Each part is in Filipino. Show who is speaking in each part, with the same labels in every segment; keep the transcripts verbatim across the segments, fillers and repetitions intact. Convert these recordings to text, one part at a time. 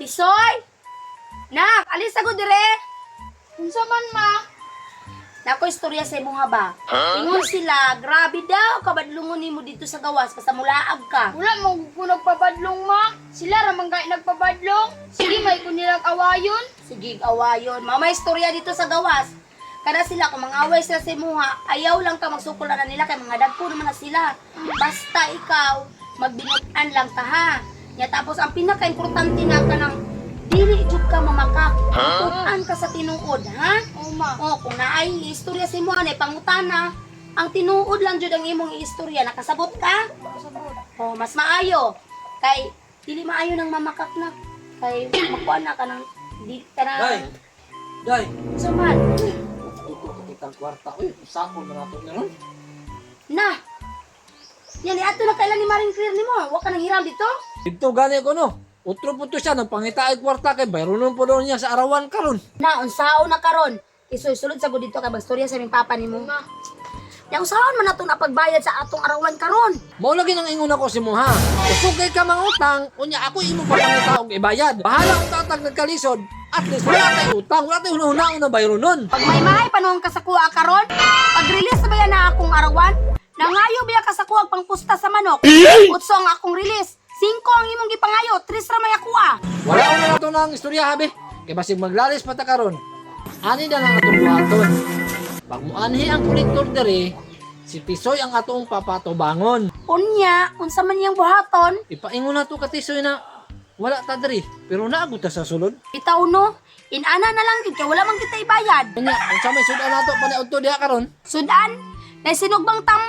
Speaker 1: Tisoy! Nak, alis ako dire.
Speaker 2: Unsa man ma?
Speaker 1: Nako istorya sa imong haba. Ingon sila, grabe daw kabadlungon nimo dito sa gawas basta mulaag ka.
Speaker 2: Wala mo ko nagpabadlong ma. Sila ra man kay nagpabadlong. Sige may ko nilang awayon.
Speaker 1: Sige, awayon. Mama istorya dito sa gawas. Kada sila kung mangaway sila sa imuha, ayaw lang ka magsukol na nila kay mga dagko naman na sila. Basta ikaw magbinutan lang ka ha. Ya tapos ang pinaka-importante na ka ng dili jud ka mamakak. Tutan ka sa tinuod, ha?
Speaker 2: Oo ma.
Speaker 1: O, kung naay istorya sa imo, anay pangutana, ang tinuod lang jud ang imong istorya. Nakasabot ka?
Speaker 2: Sabot.
Speaker 1: O, mas maayo. Kay, dili maayo ng mamakak na. Kay, makuha na ka ng, di ka na...
Speaker 3: Day! Day!
Speaker 1: Saman.
Speaker 3: Ito kitang kwarta. Uy, sakon na nato na ron.
Speaker 1: Na! Yan, ato na kailan ni Maring Clear ni mo. Huwag ka nang hiram dito.
Speaker 3: Dito gani ko no. Utro po to siya ng pangitaay kwarta kay bayronon po daw niya sa arawan karon.
Speaker 1: Na, unsao na karon. Isulod sa dito kay bagstorya sa aming papa ni mo.
Speaker 2: Ma.
Speaker 1: Yang usaon man nato na pagbayad sa atong arawan karon.
Speaker 3: Mao lagi nang ingon ako si mo ha. Usugay ka mangutang, unya ako imo pa pangita og ibayad. Bahala kung tatag nagkalisod. At least wala tay utang, wala tay hunahuna na bayronon.
Speaker 1: Pag may mahay panahon ka sa kuha karon, pag-release na ba yan na akong arawan? Nangayo biya ka sa kuha pangpusta sa manok. Utso ang akong release. Cinco ang imong gipangayo, tres ra may akuha.
Speaker 3: Wala ko na nato ng istorya habi. Kay basig maglalis pa ta karon. Ani na lang atong buhaton. Pag muanhi ang kolektor dere, si Tisoy ang atong papatubangon.
Speaker 1: Unya, unsa man yang buhaton?
Speaker 3: Ipaingon na to ka Tisoy na wala ta dere, pero naagot ta sa sulod.
Speaker 1: Bitaw no, inana na lang gid kay wala man kita ibayad.
Speaker 3: Kanya, unsa may sudan nato pa ni udto diha karon?
Speaker 1: Sudan, na sinugbang tam...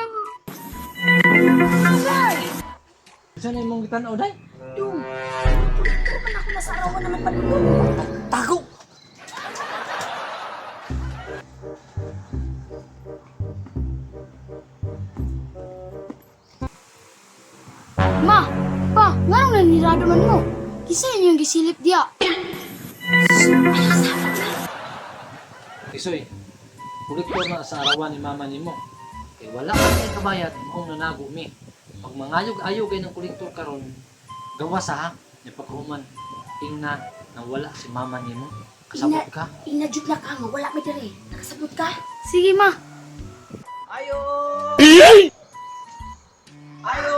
Speaker 3: Unsa na imong gitan-aw day?
Speaker 1: Dung, tulog man ako nasa arawan naman padulong.
Speaker 3: Tago.
Speaker 2: Ma, pa, nganong nanirado man mo? Kisa yun yung gisilip diya.
Speaker 3: Tisoy, kolektor na sa arawan ni mama nimo. Kay wala ka ni kabayad kung nanago mi. Pag mangayog-ayog kay ng kolektor karon, gawa sa ha, ni paghuman. Ingna na wala si mama nimo. Kasabot ka.
Speaker 1: Inajud na ka nga, wala may diri. Nakasabot ka?
Speaker 2: Sige ma.
Speaker 4: Ayo! Ayo!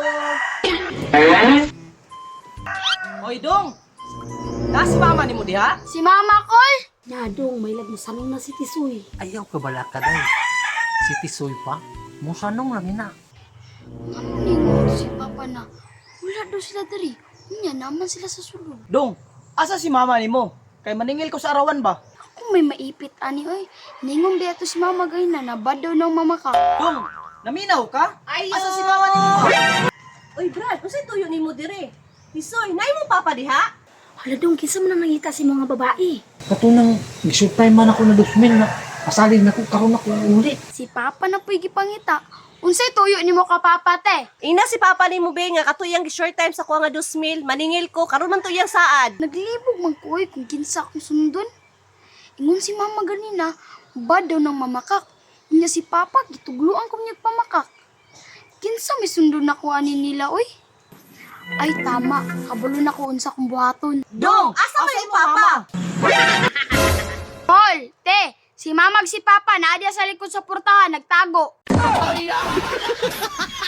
Speaker 4: Oy, Dong! Na si mama ni mo diha?
Speaker 2: Si mama ko.
Speaker 1: Nadong, may lagmasanong na si Tisoy.
Speaker 3: Ayaw ka bala ka day. Si Tisoy pa, musanong lang ina.
Speaker 2: Ano ningon si papa na? Wala daw sila dari. Unya naman sila sa sulod.
Speaker 4: Dong, asa si mama ni mo? Kay maningil ko sa arawan ba?
Speaker 2: Ako may maipit ani oy. Ningon biya to si mama gay na nabad daw ng mama ka.
Speaker 4: Dong, naminaw ka?
Speaker 5: Ayo!
Speaker 4: Asa si mama ni mo?
Speaker 5: Uy, Brad, unsay tuyo nimo dire? Tisoy, nay mo papa diha?
Speaker 1: Hala dong, kinsa man ang nangita si mga babae.
Speaker 3: Katunang gisultay man ako na dosmin na pasalig na ko karon ako uli.
Speaker 2: Si papa na po'y gipangita. Unsay tuyo nimo ka papa te?
Speaker 5: Ina si papa nimo be nga katuyang short time sa kuha nga dos mil, maningil ko karon man tuyang saad.
Speaker 2: Naglibog man ko oy kung kinsa akong sundon. Ingon si mama ganina, bad daw ng mamakak. Unya si papa gitugluan ko niya pamakak. Kinsa may sundon na ko ani nila oy? Ay tama, kabalo na ko unsa kong buhaton.
Speaker 5: Dong, asa man si papa?
Speaker 2: Hol, te, si mamag si papa naadya sa likod sa portahan nagtago.